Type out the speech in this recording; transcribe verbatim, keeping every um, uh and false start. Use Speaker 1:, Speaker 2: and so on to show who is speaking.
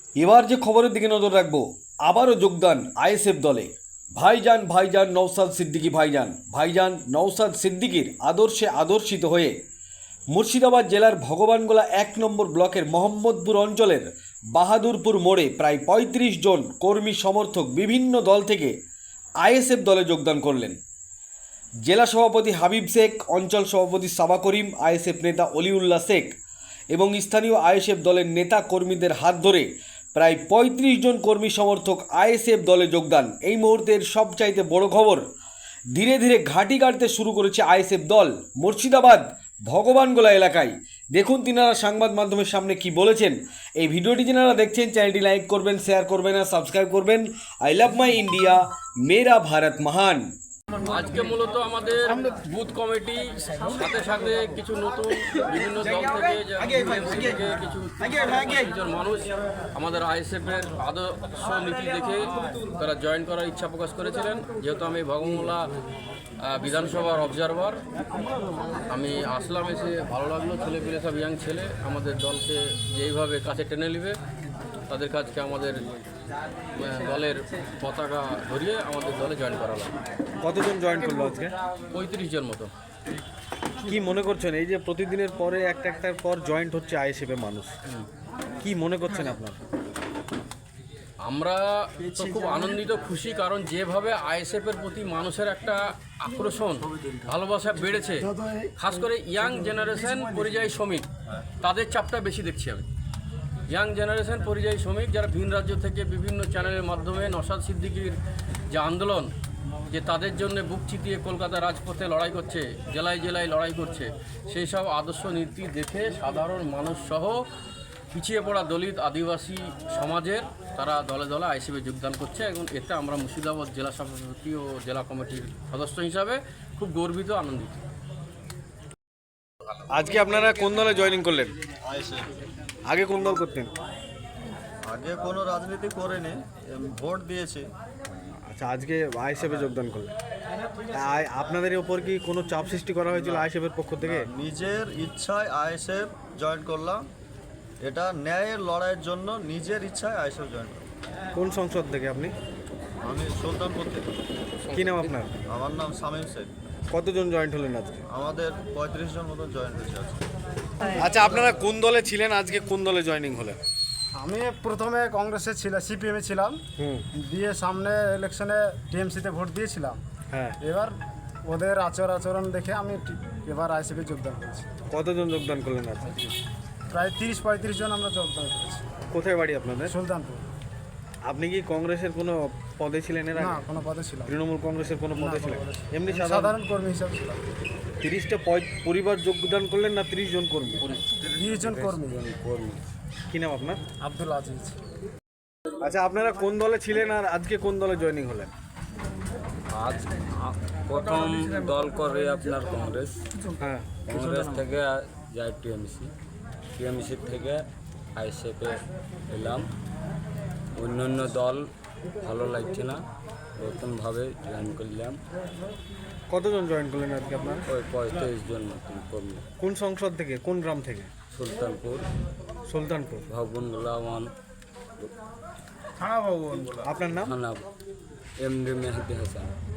Speaker 1: এবার যে খবরের দিকে নজর রাখবো, আবারও যোগদান আইএসএফ দলে। ভাইজান ভাইজান নওশাদ সিদ্দিকী ভাইজান ভাইজান নওশাদ সিদ্দিকীর আদর্শে আদর্শিত হয়ে মুর্শিদাবাদ জেলার ভগবানগোলা এক নম্বর ব্লকের মোহাম্মদপুর অঞ্চলের বাহাদুরপুর মোড়ে প্রায় পঁয়ত্রিশ জন কর্মী সমর্থক বিভিন্ন দল থেকে আইএসএফ দলে যোগদান করলেন। জেলা সভাপতি হাবিব শেখ, অঞ্চল সভাপতি সাবা করিম, আইএসএফ নেতা অলিউল্লাহ শেখ এবং স্থানীয় আইএসএফ দলের নেতা কর্মীদের হাত ধরে প্রায় পঁয়ত্রিশ জন কর্মী সমর্থক আইএসএফ দলে যোগদান। এই মুহূর্তের সবচাইতে বড় খবর, ধীরে ধীরে ঘাঁটি কাটতে শুরু করেছে আইএসএফ দল মুর্শিদাবাদ ভগবানগোলা এলাকায়। দেখুন তিনারা সংবাদ মাধ্যমের সামনে কি বলেছেন। এই ভিডিওটি যারা দেখছেন চ্যানেলটি লাইক করবেন, শেয়ার করবেন আর সাবস্ক্রাইব করবেন। আই লাভ মাই ইন্ডিয়া, মেরা ভারত মহান।
Speaker 2: আজকে মূলত আমাদের বুথ কমিটি সাথে সাথে কিছু নতুন বিভিন্ন দল থেকে থেকে কিছু একজন মানুষ আমাদের আইএসএফের আদর্শ নীতি দেখে তারা জয়েন করার ইচ্ছা প্রকাশ করেছিলেন। যেহেতু আমি ভগবানগোলা বিধানসভার অবজারভার, আমি আসলাম, এসে ভালো লাগলো। ছেলে পেলে সব ইয়াং ছেলে আমাদের দলকে যেইভাবে কাছে টেনে নেবে, তাদের কাছকে আমাদের দলের পতাকা ধরিয়ে আমাদের দলে জয়েন করালাম।
Speaker 1: কতজন জয়েন করলো আজকে?
Speaker 2: পঁয়ত্রিশ জন মতো।
Speaker 1: কি মনে করছেন এই যে প্রতিদিনের পরে একটা একটার পর জয়েন্ট হচ্ছে আইএসএফ এর মানুষ, কি মনে করছেন আপনার?
Speaker 2: আমরা তো খুব আনন্দিত, খুশি, কারণ যেভাবে আইএসএফ এর প্রতি মানুষের একটা আকর্ষণ, ভালোবাসা বেড়েছে, খাস করে ইয়াং জেনারেশন পরিযায়ী শ্রমিক, তাদের চাপটা বেশি দেখছি আমি। ইয়াং জেনারেশন পরিযায়ী শ্রমিক যারা ভিন রাজ্য থেকে বিভিন্ন চ্যানেলের মাধ্যমে নওশাদ সিদ্দিকীর যে আন্দোলন, যে তাদের জন্য বুক চিতিয়ে কলকাতা রাজপথে লড়াই করছে, জেলায় জেলায় লড়াই করছে, সেই সব আদর্শ নীতি দেখে সাধারণ মানুষ সহ পিছিয়ে পড়া দলিত আদিবাসী সমাজের তারা দলে দলে আইএসএফে যোগদান করছে এবং এতে আমরা মুর্শিদাবাদ জেলা সভাপতি ও জেলা কমিটির সদস্য হিসাবে খুব গর্বিত, আনন্দিত।
Speaker 1: আজকে আপনারা কোন দলে জয়েনিং করলেন?
Speaker 3: আইএসএফ।
Speaker 1: আগে কোন দল করতেন?
Speaker 3: আগে কোনো রাজনীতি করেনি, ভোট দিয়েছি।
Speaker 1: আচ্ছা, আজকে আইএসএফে যোগদান করলেন। তাই আপনাদের উপর কি কোনো চাপ সৃষ্টি করা হয়েছিল আইএসএফের পক্ষ থেকে?
Speaker 3: নিজের ইচ্ছায় আইএসএফ জয়েন করলাম। এটা ন্যায়ের লড়াইয়ের জন্য নিজের ইচ্ছায় আইএসএফ জয়েন করলাম।
Speaker 1: কোন সংসদ থেকে আপনি?
Speaker 3: আমি সুলতানপুর থেকে।
Speaker 1: কি নাম আপনার?
Speaker 3: আমার নাম শামীম শেখ।
Speaker 1: কতজন জয়েন্ট হলেন আজকে?
Speaker 3: আমাদের পঁয়ত্রিশ জন মতো জয়েন হয়েছে আজকে।
Speaker 1: আচ্ছা, আপনারা কোন দলে ছিলেন, আজকে কোন দলে জয়েনিং হলেন?
Speaker 4: আমি প্রথমে কংগ্রেসে ছিলাম, সিপিএমে ছিলাম,
Speaker 1: হুম,
Speaker 4: দিয়ে সামনে ইলেকশনে টিএমসিতে ভোট দিয়েছিলাম।
Speaker 1: হ্যাঁ।
Speaker 4: এবার ওদের আচর আচরণ দেখে আমি টি- এবার আইসিপি যোগদান করেছি।
Speaker 1: কতজন যোগদান করলেন আজকে?
Speaker 4: প্রায় তিরিশ পঁয়ত্রিশ জন আমরা যোগদান করেছি।
Speaker 1: কোথায় বাড়ি আপনাদের?
Speaker 4: সুলতানপুর।
Speaker 1: আপনি কি কংগ্রেসের কোনো পদে ছিলেন এর
Speaker 4: না,
Speaker 1: আগে?
Speaker 4: কোনো পদে ছিলাম না।
Speaker 1: তৃণমূল কংগ্রেসের কোনো পদে
Speaker 4: কোনো
Speaker 1: ছিলেন?
Speaker 4: পদে ছিলাম না।
Speaker 1: এমনি
Speaker 4: আমি
Speaker 1: সাধারণ
Speaker 4: সাধারণ কর্মী হিসাবে ছিলাম।
Speaker 1: তিরিশটা পরিবার যোগদান করলেন না তিরিশ জন কর্মী?
Speaker 4: তিরিশ জন কর্মী।
Speaker 1: কর্মী। কি নাম আপনার?
Speaker 4: আব্দুল আজিজ।
Speaker 1: আচ্ছা, আপনারা কোন দলে ছিলেন আর আজকে কোন দলে জয়েনিং হলেন?
Speaker 5: আজ আ- প্রথম দল করে আপনার কংগ্রেস,
Speaker 1: হ্যাঁ।
Speaker 5: কংগ্রেস থেকে যাই টিএমসি, টিএমসি থেকে আইএসএফে এলাম। অন্য অন্য দল ভালো লাগছে না, নতুনভাবে জয়েন করলাম।
Speaker 1: কতজন জয়েন করলেন আজকে আপনার?
Speaker 5: ওই পঁয়ত্রিশ জন নতুন কর্মী।
Speaker 1: কোন সংসদ থেকে, কোন গ্রাম থেকে?
Speaker 5: সুলতানপুর,
Speaker 1: সুলতানপুর।
Speaker 5: ভগবানগোলা ওয়ান
Speaker 1: আপনার নাম?
Speaker 5: থানা, এমডি মেহেদি হাসান।